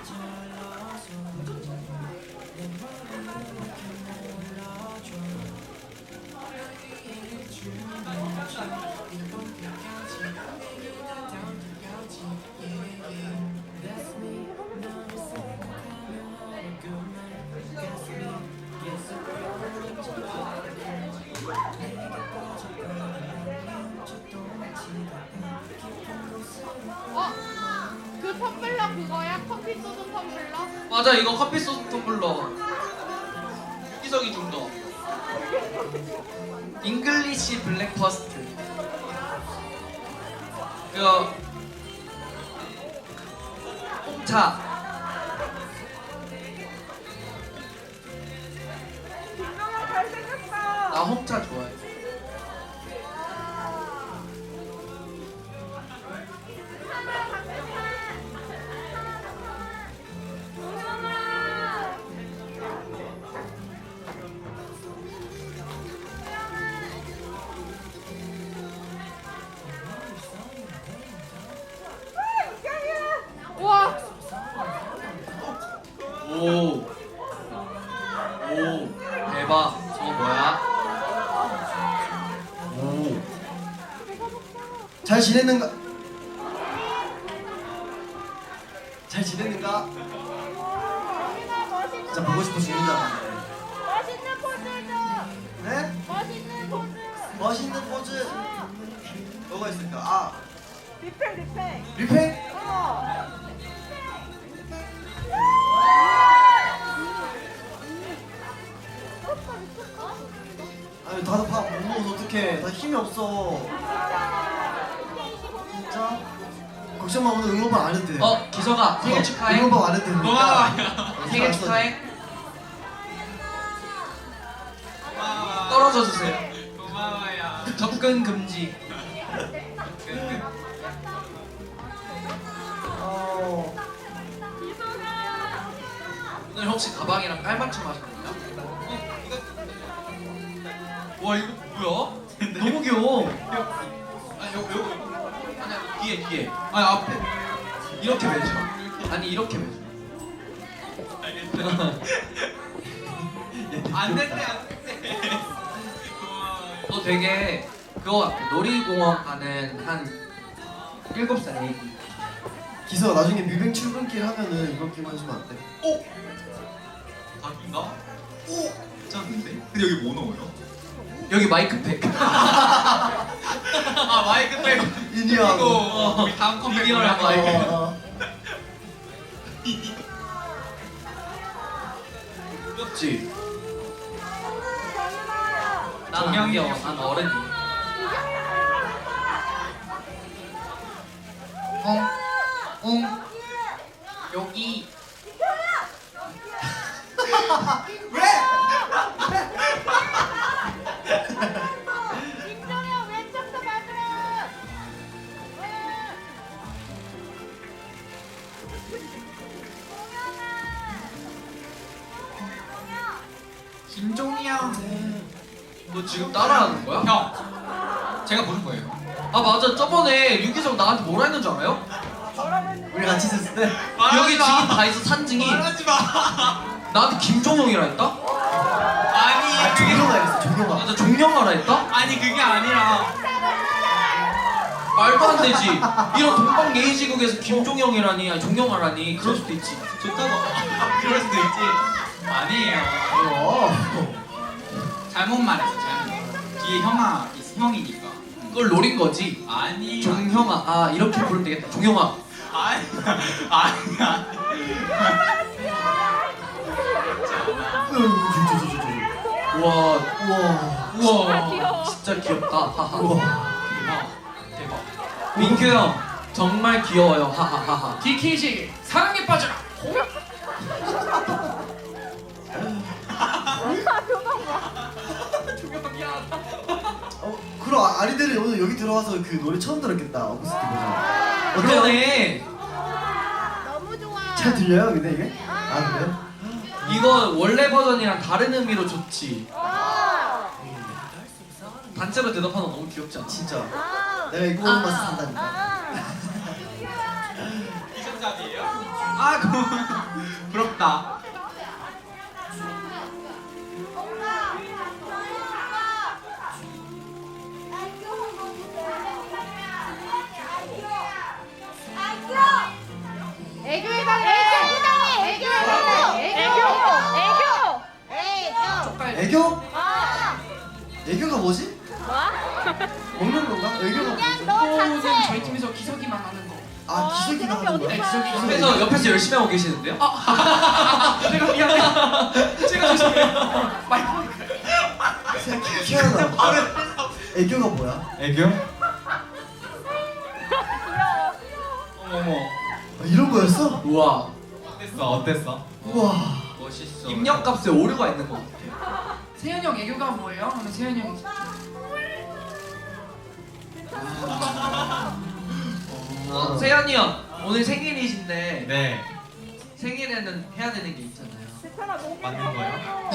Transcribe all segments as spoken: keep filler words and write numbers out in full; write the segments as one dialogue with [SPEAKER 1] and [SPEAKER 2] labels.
[SPEAKER 1] 어? 그 텀블러 그거야? 커피 쏟은 텀블러?
[SPEAKER 2] 맞아, 이거 커피 소스 텀블러. 희석이 좀 더. 잉글리시 블랙퍼스트. 이거 홍차.
[SPEAKER 3] 김동현 잘생겼어.
[SPEAKER 2] 나 홍차 좋아해.
[SPEAKER 1] 우와!
[SPEAKER 2] 오. 오. 대박. 저거 뭐야?
[SPEAKER 4] 오. 잘 지냈는가? 잘 지냈는가? 진짜 보고 싶어 죽는 줄 알았네.
[SPEAKER 3] 멋있는 포즈 줘.
[SPEAKER 4] 네?
[SPEAKER 3] 멋있는 포즈.
[SPEAKER 4] 멋있는 포즈. 뭐가 있을까? 아,
[SPEAKER 3] 리팩 리팩.
[SPEAKER 4] 리팩?
[SPEAKER 3] 어.
[SPEAKER 4] 아니 다들 밥못 먹어서 어떡해. 나 힘이 없어. 진짜? 걱정 마, 오늘 응원법 안 해도 돼.
[SPEAKER 2] 어, 기석아, 생일 축하해.
[SPEAKER 4] 응원법 안 해도 되니까.
[SPEAKER 2] 고마워요. 생일 축하해. 떨어져 주세요.
[SPEAKER 5] 고마워요.
[SPEAKER 2] 접근 금지.
[SPEAKER 4] 어.
[SPEAKER 2] 오늘 혹시 가방이랑 깔맞춤 하셨나요? 어, 이거. 와, 이거 뭐야? 너무 귀여워. 아니, 요, 요. 아니, 뒤에, 뒤에. 아니, 앞에. 이렇게 매줘. 아니, 이렇게 매줘.
[SPEAKER 5] 안 됐대, 안 됐대. 고마워요.
[SPEAKER 2] 너 되게 그거 같아. 놀이공원 가는 한 일곱 살 애기.
[SPEAKER 4] 기서가 나중에 뮤뱅 출근길 하면은 이번 기만 해주면 안 돼?
[SPEAKER 5] 오! 각인가? 오! 괜찮은데? 근데 여기 뭐 넣어요?
[SPEAKER 2] 여기 마이크팩.
[SPEAKER 5] 아 마이크 빼고
[SPEAKER 4] 인디하고.
[SPEAKER 5] 이거 어, 우리 다음 컴백
[SPEAKER 2] 미디어랑
[SPEAKER 5] 뭐야?
[SPEAKER 2] 마이크.
[SPEAKER 4] 어, 어.
[SPEAKER 2] 귀엽지? 난
[SPEAKER 5] 정영이
[SPEAKER 2] 안 귀여워.
[SPEAKER 5] 형.
[SPEAKER 2] 난 어른이. 응? 응? 여기.
[SPEAKER 3] 김동현 왼쪽도 봐주라.
[SPEAKER 5] 김종이 형.
[SPEAKER 2] 너 지금 따라하는 거야?
[SPEAKER 5] 형. 제가 부른 거예요.
[SPEAKER 2] 아 맞아. 저번에 유기석 나한테 뭐라 했는 줄 알아요?
[SPEAKER 3] 뭐라고 했는데?
[SPEAKER 4] 우리 같이 있었을 때?
[SPEAKER 2] 여기 지금 다 있어 산증이.
[SPEAKER 5] 말하지 마.
[SPEAKER 2] 나한테 김종영이라 했다?
[SPEAKER 5] 아니
[SPEAKER 4] 아,
[SPEAKER 5] 그게
[SPEAKER 4] 종영아 했어, 종영아.
[SPEAKER 2] 맞아 종영아라 했다?
[SPEAKER 5] 아니 그게 아니라
[SPEAKER 2] 말도 안 되지. 이런 동방 예의지국에서 김종영이라니, 아니 종영아라니 그럴 수도 있지.
[SPEAKER 5] 좋다고. 그럴 수도 있지. 아니에요.
[SPEAKER 4] 어.
[SPEAKER 5] 잘못 말했어. 잘못. 뒤에 형아 있- 형이니까.
[SPEAKER 2] 그걸 노린 거지.
[SPEAKER 5] 아니.
[SPEAKER 2] 종형아, 아 이렇게 부르면 되겠다. 종영아.
[SPEAKER 5] 아니. 아니야.
[SPEAKER 4] 으, 진짜, 진짜, 진짜.
[SPEAKER 2] 우와,
[SPEAKER 4] 우와.
[SPEAKER 2] 우와,
[SPEAKER 3] 귀여워.
[SPEAKER 2] 진짜 귀엽다. 하하.
[SPEAKER 4] 우와.
[SPEAKER 5] 대박. 대박.
[SPEAKER 2] 민규 형 정말 귀여워요. 하하하하.
[SPEAKER 5] 디케이지 사랑에 빠져라.
[SPEAKER 4] 어, 그럼 아- 아리들이 오늘 여기 들어와서 그 노래 처음 들었겠다. 어쿠스틱 버전.
[SPEAKER 2] 그러네.
[SPEAKER 3] 너무 좋아.
[SPEAKER 4] 잘 들려요, 근데 이게? 아, 그래요?
[SPEAKER 2] 이거 원래 버전이랑 다른 의미로 좋지.
[SPEAKER 3] 어.
[SPEAKER 2] 단체로 대답하는 거 너무 귀엽지 않아?
[SPEAKER 4] 진짜.
[SPEAKER 3] 아.
[SPEAKER 4] 내가 이거 맛을 산다니까.
[SPEAKER 3] 아.
[SPEAKER 5] 이정답이에요?
[SPEAKER 2] 아
[SPEAKER 5] 아 고- 부럽다.
[SPEAKER 1] 애교 해달래. 애교 해달래. 애교.
[SPEAKER 3] 애교.
[SPEAKER 4] 애교?
[SPEAKER 3] 아.
[SPEAKER 4] 애교가 뭐지? 먹는 건가? 애교가
[SPEAKER 3] 그냥
[SPEAKER 4] 뭐지?
[SPEAKER 3] 너
[SPEAKER 1] 저는
[SPEAKER 3] 자체.
[SPEAKER 1] 저희 팀에서 기석이만 하는 거.
[SPEAKER 4] 아 기석이가
[SPEAKER 3] 그런 게
[SPEAKER 4] 하는
[SPEAKER 3] 어디
[SPEAKER 4] 거야?
[SPEAKER 3] 있어?
[SPEAKER 1] 기석이
[SPEAKER 2] 옆에서 옆에서 열심히 하고 계시는데요?
[SPEAKER 1] 제가 미안해. 제가 죄송해요. 마이크.
[SPEAKER 4] 희한하다. 애교가 뭐야?
[SPEAKER 5] 애교? 어머머.
[SPEAKER 4] 아, 이런 거였어?
[SPEAKER 2] 우와.
[SPEAKER 5] 어땠어? 어땠어?
[SPEAKER 4] 우와.
[SPEAKER 2] 멋있어. 입력값에 오류가 있는 것 같아.
[SPEAKER 1] 세현이 형 애교가 뭐예요? 하면 세현이 형이
[SPEAKER 2] 어, 세현이 형 오늘 생일이신데
[SPEAKER 5] 네.
[SPEAKER 2] 생일에는 해야 되는 게 있잖아요.
[SPEAKER 5] 맞는 거예요?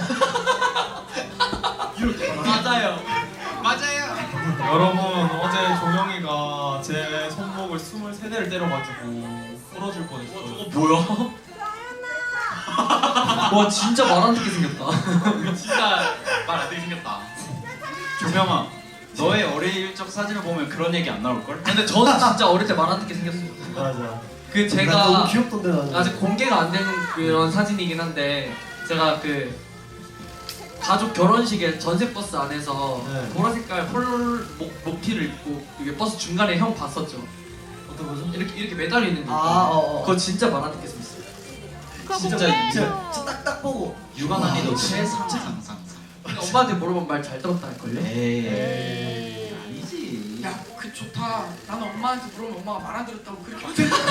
[SPEAKER 2] 맞아요.
[SPEAKER 5] 맞아요. 여러분 어제 종영이가 제 손목을 스물세 대를 때려가지고 부러질 뻔했어요.
[SPEAKER 2] 뭐야? 와 진짜 말 안 듣게 생겼다.
[SPEAKER 5] 진짜 말 안 되게 생겼다. 조명아, 너의 어릴 적 사진을 보면 그런 얘기 안 나올 걸?
[SPEAKER 2] 근데 저는 진짜 어릴 때 말 안 듣게 생겼어요.
[SPEAKER 4] 맞아.
[SPEAKER 2] 그
[SPEAKER 4] 난 너무
[SPEAKER 2] 제가
[SPEAKER 4] 귀엽던데 나는.
[SPEAKER 2] 아직 공개가 안 된 그런 사진이긴 한데 제가 그 가족 결혼식에 전세 버스 안에서
[SPEAKER 4] 네.
[SPEAKER 2] 보라 색깔 폴 목, 목티를 입고 이게 버스 중간에 형 봤었죠.
[SPEAKER 4] 어떤 거죠?
[SPEAKER 2] 이렇게 이렇게 매달려 있는 거.
[SPEAKER 4] 아,
[SPEAKER 2] 있거든요.
[SPEAKER 4] 어, 어.
[SPEAKER 2] 그거 진짜 말 안 듣게 생겼어요.
[SPEAKER 4] 진짜 진짜 진짜 딱딱 보고.
[SPEAKER 5] 육아 난이도
[SPEAKER 4] 와,
[SPEAKER 5] 최상상상.
[SPEAKER 2] 근데 엄마한테 물어보면 말 잘 들었다 할걸요?
[SPEAKER 5] 에이 아니지.
[SPEAKER 1] 야, 그 좋다. 나는 엄마한테 물으면 엄마가 말 안 들었다고 그렇게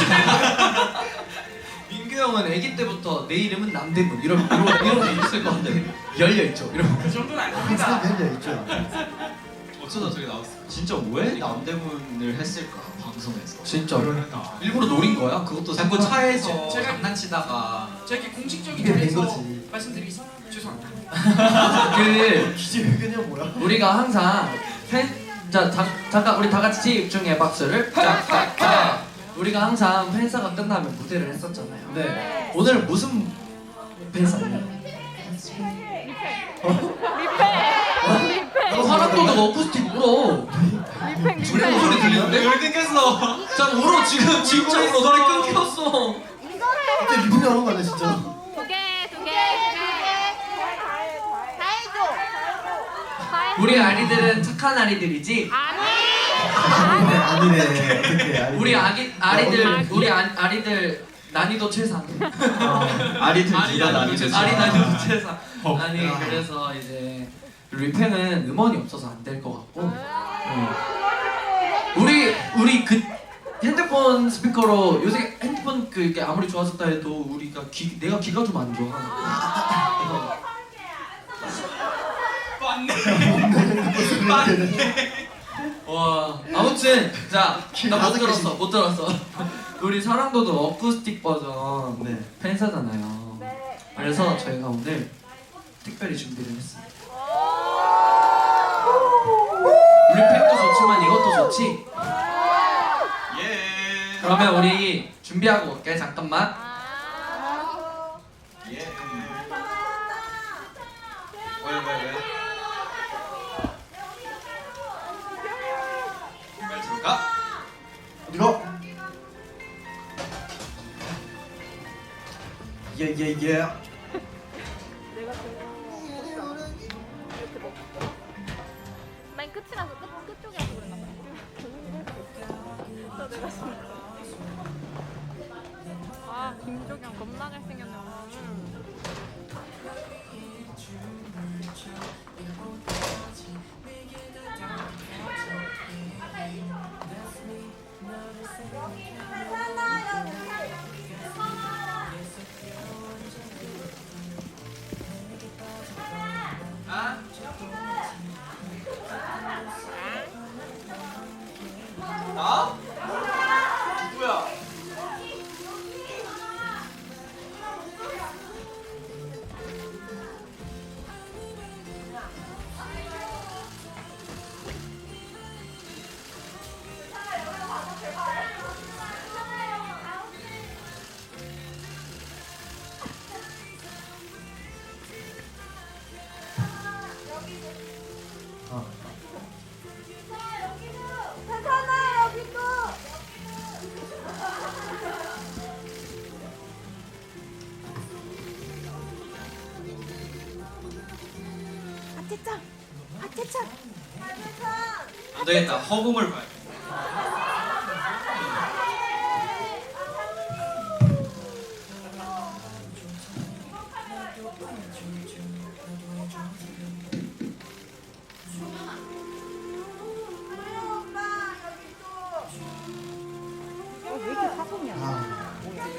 [SPEAKER 2] 민규 형은 아기 때부터 내 이름은 남대문 이런 이런 이런 게 있을 것 같아. 열려 있죠. 이런 거.
[SPEAKER 1] 그 정도는
[SPEAKER 4] 항상
[SPEAKER 1] 아닙니다.
[SPEAKER 4] 열려 있죠.
[SPEAKER 5] 어쩌다 저기 나왔어. 진짜 왜 남대문을 했을까 방송에서?
[SPEAKER 2] 진짜
[SPEAKER 5] 그러니까.
[SPEAKER 2] 일부러 노린 거야. 그것도
[SPEAKER 5] 자꾸
[SPEAKER 2] 생각-
[SPEAKER 5] 차에서
[SPEAKER 1] 제- 제가-
[SPEAKER 5] 장난치다가
[SPEAKER 1] 제가 이렇게 공식적인
[SPEAKER 4] 이게 된
[SPEAKER 1] 자리에서
[SPEAKER 4] 거지.
[SPEAKER 1] 말씀드리겠습니다. 죄송합니다.
[SPEAKER 2] 그
[SPEAKER 4] 기재 의견이 뭐야?
[SPEAKER 2] 우리가 항상 팬, 자 잠, 잠깐 우리 다 같이 집중해 박수를. 자, 우리가 항상 팬사가 끝나면 무대를 했었잖아요.
[SPEAKER 4] 네.
[SPEAKER 2] 오늘 무슨 팬사예요? 어, 사람들도 어쿠스틱 울어.
[SPEAKER 3] 리팽
[SPEAKER 2] 우리 목소리 들리는데?
[SPEAKER 5] 왜 끊겼어?
[SPEAKER 2] 자 울어 지금 진짜 울어. 소리 끊겼어.
[SPEAKER 4] 진짜 리듬이 하는 거 아니야 진짜?
[SPEAKER 3] 두개두개두개 다 해줘.
[SPEAKER 2] 우리 아리들은 착한 아리들이지.
[SPEAKER 4] 아니네 아니네. 어떻게 아니네.
[SPEAKER 2] 우리 아기 아리들
[SPEAKER 3] 아기.
[SPEAKER 2] 우리 아, 아리들 난이도 최상.
[SPEAKER 5] 아리들
[SPEAKER 2] 아리
[SPEAKER 5] 둘다
[SPEAKER 2] 난이도
[SPEAKER 5] 나뉘는
[SPEAKER 2] 최상. 아리 난이도 최상.
[SPEAKER 5] 어.
[SPEAKER 2] 아니
[SPEAKER 4] 야.
[SPEAKER 2] 그래서 이제 리펜은 음원이 없어서 안 될 것 같고. 어. 우리 우리 그 핸드폰 스피커로 요새 핸드폰 그 이게 아무리 좋아졌다 해도 우리가 귀 내가 귀가 좀 안 좋아. 와 아무튼 자 나 못
[SPEAKER 4] 다섯 개씩.
[SPEAKER 2] 들었어 못 들었어. 우리 사랑도도 어쿠스틱 버전
[SPEAKER 4] 네.
[SPEAKER 2] 팬사잖아요. 그래서 저희가 오늘 특별히 준비를 했습니다. 우리 팬도 좋지만 이것도 좋지.
[SPEAKER 5] 예.
[SPEAKER 2] 그러면 우리 준비하고 올게 잠깐만.
[SPEAKER 5] 예. 왜 왜 왜? 말 들을까?
[SPEAKER 4] 이거. 예예예.
[SPEAKER 3] 맨 끝이라서 끝 끝쪽이라서 그랬나 봐. 저 내가 진짜. 아 김종현 겁나 잘생겼네 오늘.
[SPEAKER 2] 아? 나? 누구야?
[SPEAKER 5] 안 되겠다. 허공을 봐야 돼.
[SPEAKER 4] 아,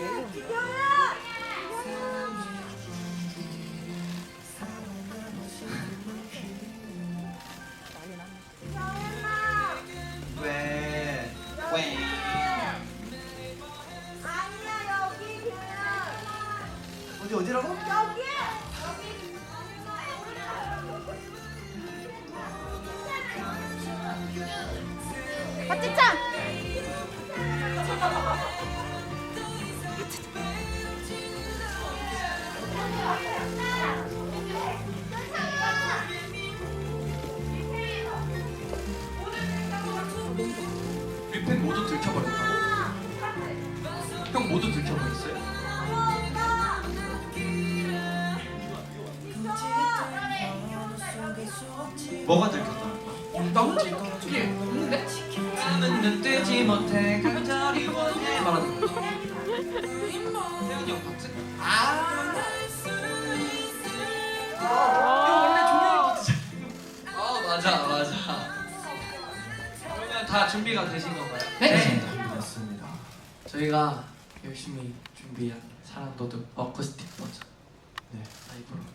[SPEAKER 5] 왜? 왜?
[SPEAKER 4] 어디 어디라고?
[SPEAKER 3] 박지창.
[SPEAKER 2] 뮤팬 모두 들켜버렸다고? 형 모두 들켜버렸어요?
[SPEAKER 5] 뭐가 들켰다는 거야?
[SPEAKER 2] 엉덩지 예 없는데? 나는 눈 뜨지 못해 간절히 원해 말하는 거 태훈이 형 박스? 아 형 원래 조명이 뜨잖아 아 맞아 맞아 그러면 다 준비가 되신 건가요?
[SPEAKER 4] 네. 맞습니다.
[SPEAKER 2] 저희가 열심히 준비한 사랑도둑 어쿠스틱 버전
[SPEAKER 4] 네.
[SPEAKER 2] 라이브로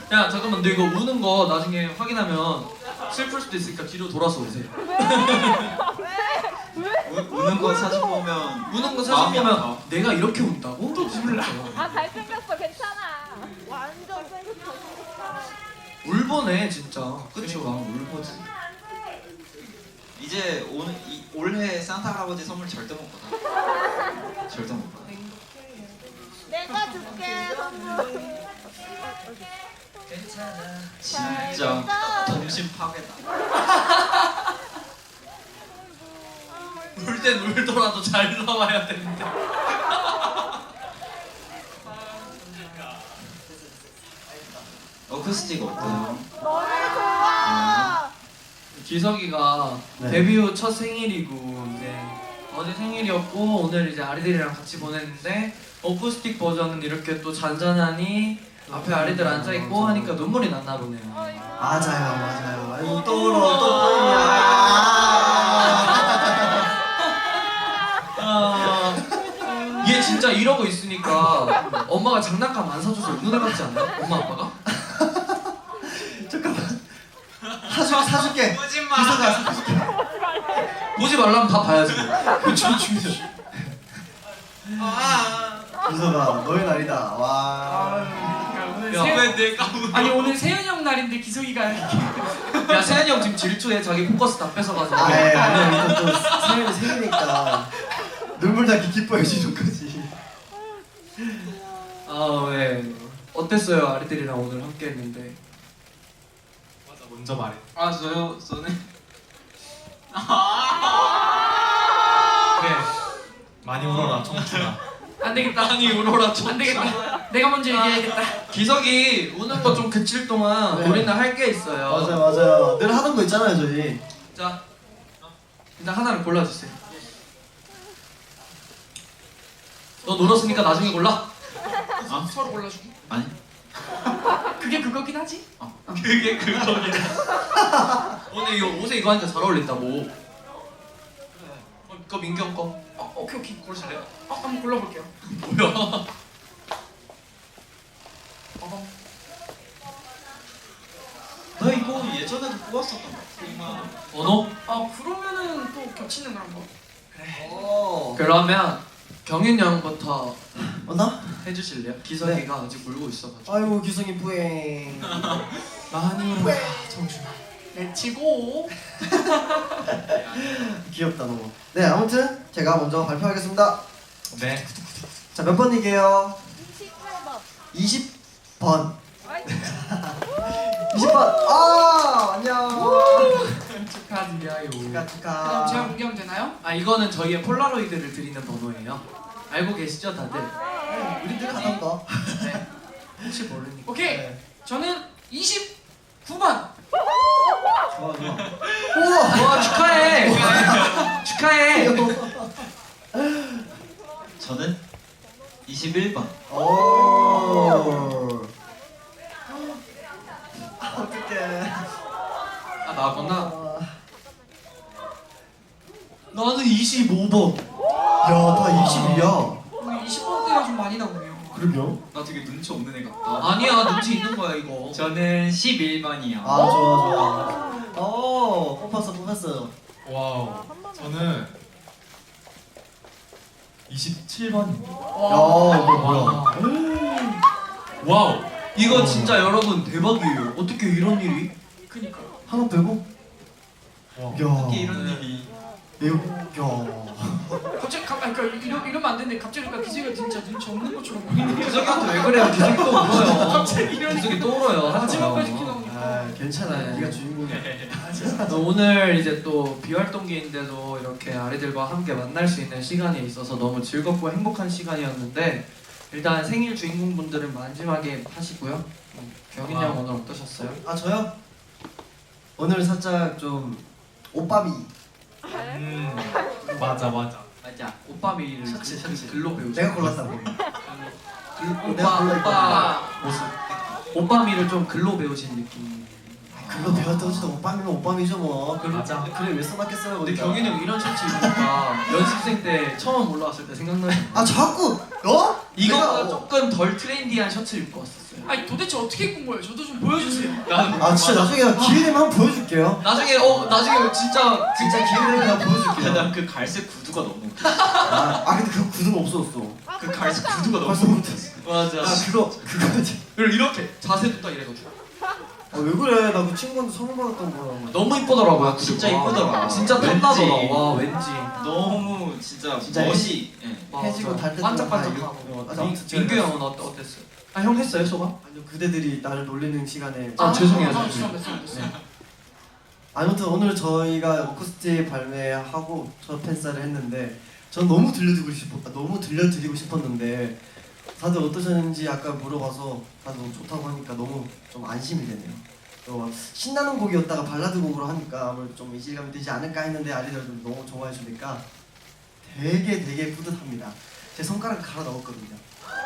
[SPEAKER 2] 야 잠깐만 너 이거 우는 거 나중에 확인하면 슬플 수도 있으니까 뒤로 돌아서 오세요.
[SPEAKER 5] 우, 우는 거 사진 보면
[SPEAKER 2] 우는 거 사진
[SPEAKER 5] 마음이
[SPEAKER 2] 보면
[SPEAKER 5] 아파.
[SPEAKER 2] 내가 이렇게 운다고? 또 몰라.
[SPEAKER 3] 아 잘생겼어 괜찮아. 완전 생겼어.
[SPEAKER 2] 울보네 진짜. 그치
[SPEAKER 5] 그러니까.
[SPEAKER 2] 막 울보지.
[SPEAKER 5] 이제 올, 이, 올해 산타 할아버지 선물 절대 못 받아. 절대 못 받아.
[SPEAKER 3] 내가 줄게 선물.
[SPEAKER 5] 진짜 동심 파괴다.
[SPEAKER 2] 울 땐 울더라도 잘 나와야 되는데.
[SPEAKER 5] 어쿠스틱 어때요?
[SPEAKER 3] 너무 좋아.
[SPEAKER 2] 기석이가
[SPEAKER 4] 네.
[SPEAKER 2] 데뷔 후 첫 생일이고 이제 어제 생일이었고 오늘 이제 아리들이랑 같이 보냈는데 어쿠스틱 버전은 이렇게 또 잔잔하니 앞에 아리들 앉아 있고 하니까 눈물이 났나 보네요.
[SPEAKER 4] 맞아요, 맞아요. 아이고 또 울어, 또 울어.
[SPEAKER 2] 아, 얘 진짜 이러고 있으니까 엄마가 장난감 안 사줘서 우는 애 같지 않아요? 엄마 아빠가?
[SPEAKER 4] 잠깐만. 사줄 사줄게.
[SPEAKER 5] 보지
[SPEAKER 4] 기서가 사줄게.
[SPEAKER 2] 보지 말라면 다 봐야지. 그쵸 중요.
[SPEAKER 4] 기서가 너의 날이다. 와.
[SPEAKER 6] 오늘
[SPEAKER 2] 야,
[SPEAKER 6] 세...
[SPEAKER 2] 왜 내가 울-
[SPEAKER 6] 아니 오늘 세현이 형 날인데 기석이가 이렇게
[SPEAKER 2] 야 세현이 형 지금 질투해 자기 포커스 다 뺏어가서.
[SPEAKER 4] 아, 예, 아니 일단 또 생일 생이니까 눈물 닦기 기뻐해 주는 거지.
[SPEAKER 2] 아 왜? 어땠어요 아리들이랑 오늘 함께했는데?
[SPEAKER 7] 맞아 먼저 말해.
[SPEAKER 5] 아 저요? 저는
[SPEAKER 7] 그래 많이 울어라 청춘아.
[SPEAKER 6] 안 되겠다.
[SPEAKER 2] 아니 울어라
[SPEAKER 6] 안 되겠다. 내가 먼저 얘기해야겠다.
[SPEAKER 2] 기석이 우는 거 좀 그칠 동안
[SPEAKER 4] 네.
[SPEAKER 2] 우리는 할 게 있어요.
[SPEAKER 4] 맞아요, 맞아요. 늘 하던 거 있잖아요, 저희.
[SPEAKER 2] 자 일단 하나를 골라주세요. 너 놀았으니까 나중에 골라.
[SPEAKER 5] 아?
[SPEAKER 6] 서로 골라주기.
[SPEAKER 5] 아니
[SPEAKER 6] 그게 그거긴 하지.
[SPEAKER 2] 그게 그거긴. 오늘 이거 옷에 이거 하니까 잘 어울린다고. 어, 이거 민경 거.
[SPEAKER 6] 어, 오케이 오케이.
[SPEAKER 2] 고르실래요?
[SPEAKER 6] 어, 한번 골라볼게요.
[SPEAKER 2] 뭐야?
[SPEAKER 6] 어,
[SPEAKER 5] 나 이거 예전에도 뽑았었던 거 같아.
[SPEAKER 2] 번호?
[SPEAKER 6] 아 그러면은 또 겹치는 걸 한번.
[SPEAKER 4] 오.
[SPEAKER 2] 그러면 경윤 형부터
[SPEAKER 4] 어, 나?
[SPEAKER 2] 해주실래요? 기석이가 아직 울고 있어가지고.
[SPEAKER 4] 아이고, 기성이 뿌행.
[SPEAKER 2] 많이 울어라 정준아.
[SPEAKER 6] 내치고.
[SPEAKER 4] 귀엽다, 너무. 네, 아무튼 제가 먼저 발표하겠습니다.
[SPEAKER 7] 네.
[SPEAKER 4] 자, 몇 번이게요?
[SPEAKER 3] 이십팔 번.
[SPEAKER 4] 이십 번.
[SPEAKER 3] 아이,
[SPEAKER 4] 이십 번. 아, 안녕.
[SPEAKER 2] 축하드려요.
[SPEAKER 4] 축하,
[SPEAKER 6] 그럼
[SPEAKER 4] 축하.
[SPEAKER 6] 제가 공개하면 되나요?
[SPEAKER 2] 아 이거는 저희의 폴라로이드를 드리는 번호예요. 알고 계시죠 다들?
[SPEAKER 4] 네, 우리들 하던 거.
[SPEAKER 2] 네. 혹시 모르니까.
[SPEAKER 6] 오케이.
[SPEAKER 4] 네.
[SPEAKER 6] 저는 이십구 번.
[SPEAKER 4] 좋아, 좋아. 우와.
[SPEAKER 2] 와 축하해. 축하해.
[SPEAKER 5] 저는 이십일 번.
[SPEAKER 4] 오. 어떡해.
[SPEAKER 2] 아 나구나.
[SPEAKER 4] 아.
[SPEAKER 2] 나는 이십오 번.
[SPEAKER 4] 야, 다 이십이야.
[SPEAKER 6] 오늘 이십 번대가 좀 많이 나오네요.
[SPEAKER 4] 그러게요.
[SPEAKER 5] 나 되게 눈치 없는 애 같다.
[SPEAKER 2] 아니야 눈치 있는 거야 이거.
[SPEAKER 5] 저는 십일 번이요.
[SPEAKER 4] 아, 좋아, 좋아. 오, 뽑았어, 뽑았어.
[SPEAKER 7] 와우. 저는 이십칠 번입니다.
[SPEAKER 4] 야,
[SPEAKER 6] 와.
[SPEAKER 4] 이거 뭐야?
[SPEAKER 7] 와우.
[SPEAKER 2] 이거 진짜 여러분 대박이에요. 어떻게 이런 일이?
[SPEAKER 6] 그니까.
[SPEAKER 4] 하나 빼고?
[SPEAKER 7] 와.
[SPEAKER 4] 야.
[SPEAKER 5] 어떻게 이런 일이.
[SPEAKER 4] 이거, 야.
[SPEAKER 6] 갑자기 가, 아니, 그러니까 이러, 이러면 안 되는데 갑자기 그러니까 기재가 진짜 눈치 없는 것처럼 보이는 게
[SPEAKER 2] 기석이한테 왜 그래요? 기석이 또 울어요.
[SPEAKER 6] 갑자기 이런
[SPEAKER 2] 기석이 또 울어요. 하지
[SPEAKER 6] 마지막까지
[SPEAKER 2] 마요.
[SPEAKER 6] 이렇게 나오니까.
[SPEAKER 4] 아, 괜찮아.
[SPEAKER 2] 네.
[SPEAKER 4] 네가 주인공이야.
[SPEAKER 2] 또 오늘 이제 또 비활동기인데도 이렇게 아리들과 함께 만날 수 있는 시간이 있어서 너무 즐겁고 행복한 시간이었는데 일단 생일 주인공분들은 마지막에 하시고요. 음, 경인 형 오늘 어떠셨어요?
[SPEAKER 4] 아, 저요? 오늘 살짝 좀 오빠미.
[SPEAKER 7] 음. 맞아 맞아.
[SPEAKER 2] 맞아. 오빠 미를
[SPEAKER 4] 셔츠, 셔츠.
[SPEAKER 2] 글로 배우죠.
[SPEAKER 4] 내가 골랐다고.
[SPEAKER 2] 글,
[SPEAKER 4] 내가
[SPEAKER 2] 오빠
[SPEAKER 4] 골라
[SPEAKER 2] 오빠 모습. 오빠 미를 좀 글로 배우신 느낌.
[SPEAKER 4] 그거 배웠다고 해도 오빠미면 오빠미죠 뭐. 그래,
[SPEAKER 7] 맞아.
[SPEAKER 4] 그래 왜 써놨겠어요?
[SPEAKER 2] 근데
[SPEAKER 4] 거기다.
[SPEAKER 2] 경인 형 이런 셔츠 입으니까 연습생 때 처음 올라왔을 때 생각나요.
[SPEAKER 4] 아, 자꾸 어?
[SPEAKER 2] 이거보다
[SPEAKER 4] 내가-
[SPEAKER 2] 조금 덜 트렌디한 셔츠 입고 왔었어요.
[SPEAKER 6] 아니 도대체 어떻게 입은 거예요? 저도 좀 보여주세요.
[SPEAKER 4] 아 진짜 나중에 나 기회 되면 한번 보여줄게요.
[SPEAKER 2] 나중에 어 나중에 진짜
[SPEAKER 4] 진짜 기회 되면 나 보여줄게요.
[SPEAKER 5] 난그 갈색 구두가 너무 웃겨.
[SPEAKER 4] 아, 아 근데 그 구두가 없어졌어.
[SPEAKER 5] 그 갈색 구두가 너무
[SPEAKER 4] 벌써
[SPEAKER 5] 웃겨.
[SPEAKER 4] 못했어.
[SPEAKER 2] 맞아.
[SPEAKER 4] 아 그거 그거지.
[SPEAKER 2] 그리고 이렇게 자세도 딱 이래가지고
[SPEAKER 4] 아, 왜 그래? 나 그 친구한테 선물 받았던 거야.
[SPEAKER 2] 너무 이쁘더라고요.
[SPEAKER 5] 진짜
[SPEAKER 2] 그리고.
[SPEAKER 5] 이쁘더라.
[SPEAKER 2] 진짜
[SPEAKER 5] 왠지.
[SPEAKER 2] 탐나더라. 와 왠지.
[SPEAKER 5] 너무 진짜,
[SPEAKER 4] 진짜
[SPEAKER 5] 멋이. 예.
[SPEAKER 4] 해지고 달 때도
[SPEAKER 2] 반짝반짝하고.
[SPEAKER 4] 아, 아무튼 제가
[SPEAKER 2] 민규 형은 어때 어땠어요? 아 형 했어요 소감?
[SPEAKER 4] 아니요 그대들이 나를 놀리는 시간에
[SPEAKER 2] 아, 죄송해요.
[SPEAKER 6] 아,
[SPEAKER 2] 죄송해요.
[SPEAKER 6] 죄송합니다. 죄송합니다.
[SPEAKER 4] 아무튼 오늘 저희가 어쿠스틱 발매하고 첫 팬사를 했는데 전 너무 들려드리고 싶었 너무 들려드리고 싶었는데 다들 어떠셨는지 아까 물어봐서 다들 너무 좋다고 하니까 너무 좀 안심이 되네요. 또 신나는 곡이었다가 발라드 곡으로 하니까 아무래도 좀 이질감이 되지 않을까 했는데 아리들도 너무 좋아해 주니까 되게 되게 뿌듯합니다. 제 손가락 갈아 넣었거든요.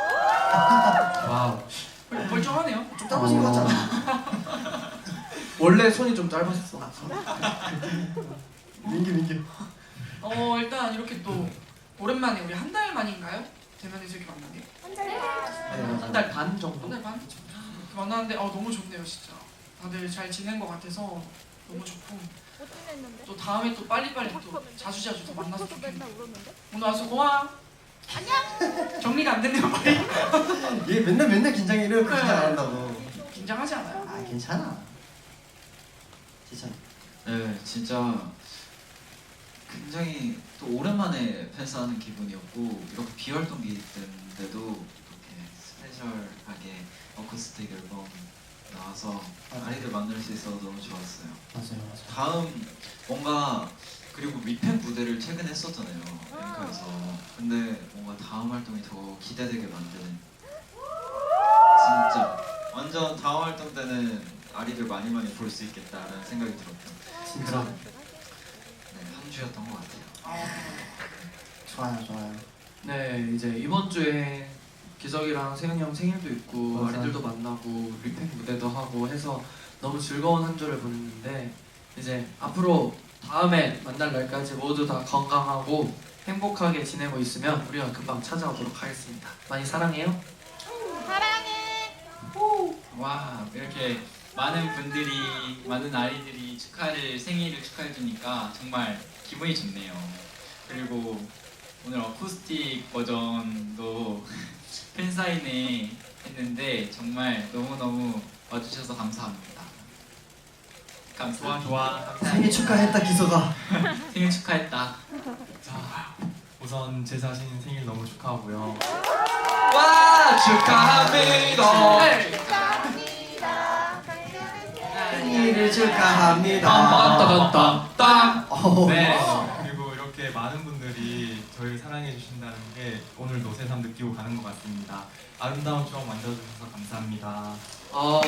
[SPEAKER 2] 와우.
[SPEAKER 6] 멀쩡하네요.
[SPEAKER 4] 좀 짧아진 것 같지 않아?
[SPEAKER 2] 원래 손이 좀 짧았어.
[SPEAKER 4] 민규 민규.
[SPEAKER 6] 어 일단 이렇게 또 오랜만에 우리 한 달 만인가요? 대면에서 이렇게 만난 게?
[SPEAKER 4] 네,
[SPEAKER 2] 한 달 반 정도?
[SPEAKER 6] 한 달 반? 이렇게 만났는데 어 너무 좋네요 진짜. 다들 잘 지낸 것 같아서 너무 좋고
[SPEAKER 3] 못 지냈는데?
[SPEAKER 6] 또 다음에 또 빨리빨리 또 자주 자주 더 만나서
[SPEAKER 3] 또
[SPEAKER 6] 좋겠네.
[SPEAKER 3] 맨날 울었는데?
[SPEAKER 6] 오늘 와서 고마워. 안녕. 정리가 안 됐네요 빨리.
[SPEAKER 4] 얘 맨날 맨날 긴장해 이래요. 긴장 안 한다고.
[SPEAKER 6] 긴장하지 않아요?
[SPEAKER 4] 아 괜찮아. 괜찮아.
[SPEAKER 5] 네, 진짜 굉장히 또 오랜만에 팬싸하는 기분이었고 이렇게 비활동기 때인데도 이렇게 스페셜하게 어쿠스틱 앨범 나와서 아이들 만날 수 있어서 너무 좋았어요.
[SPEAKER 4] 맞아요 맞아요.
[SPEAKER 5] 다음 뭔가 그리고 미팬 무대를 최근에 했었잖아요. 앵커에서. 근데 뭔가 다음 활동이 더 기대되게 만드는 진짜 완전 다음 활동 때는 아리들 많이 많이 볼 수 있겠다라는 생각이 들었던
[SPEAKER 4] 진짜
[SPEAKER 5] 네, 한 주였던 것 같아요.
[SPEAKER 6] 아,
[SPEAKER 4] 좋아요 좋아요.
[SPEAKER 2] 네 이제 이번 주에 기석이랑 세현이 형 생일도 있고
[SPEAKER 4] 맞아요.
[SPEAKER 2] 아이들도 만나고 리팩 무대도 하고 해서 너무 즐거운 한 주를 보냈는데 이제 앞으로 다음에 만날 날까지 모두 다 건강하고 행복하게 지내고 있으면 우리가 금방 찾아오도록 하겠습니다. 많이 사랑해요.
[SPEAKER 3] 사랑해.
[SPEAKER 7] 와 이렇게 많은 분들이 많은 아이들이 축하를 생일을 축하해 주니까 정말 기분이 좋네요. 그리고 오늘 어쿠스틱 버전도 팬사인회 했는데 정말 너무너무 와주셔서 감사합니다. 감사합니다. 좋아, 좋아.
[SPEAKER 4] 생일 축하했다 기서가.
[SPEAKER 7] 생일 축하했다.
[SPEAKER 8] 자, 우선 제 자신 생일 너무 축하하고요.
[SPEAKER 2] 와 축하합니다.
[SPEAKER 6] 네.
[SPEAKER 4] 생일을 축하합니다.
[SPEAKER 2] 딴딴딴딴.
[SPEAKER 4] 어.
[SPEAKER 8] 네. 그리고 이렇게 많은 분들이 저희를 사랑해 주신다는 게 오늘도 새삼 느끼고 가는 것 같습니다. 아름다운 추억 만들어주셔서 감사합니다.
[SPEAKER 2] 어,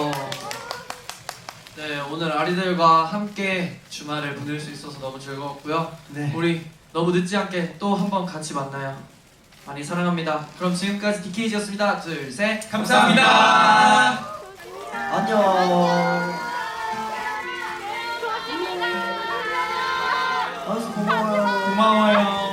[SPEAKER 2] 네 오늘 아리들과 함께 주말을 보낼 수 있어서 너무 즐거웠고요.
[SPEAKER 4] 네.
[SPEAKER 2] 우리 너무 늦지 않게 또 한 번 같이 만나요. 많이 사랑합니다. 그럼 지금까지 디케이지였습니다. 둘, 셋,
[SPEAKER 7] 감사합니다.
[SPEAKER 4] 안녕. 알았어 고마워요.
[SPEAKER 8] 고마워요.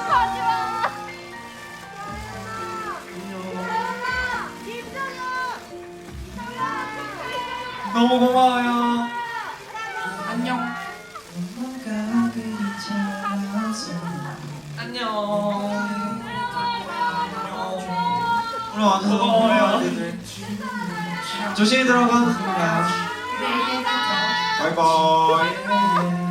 [SPEAKER 8] 너무 고마워요.
[SPEAKER 6] 안녕.
[SPEAKER 2] 안녕.
[SPEAKER 5] 오늘 와줘서 고마워요. 조심히 들어가. 바이바이.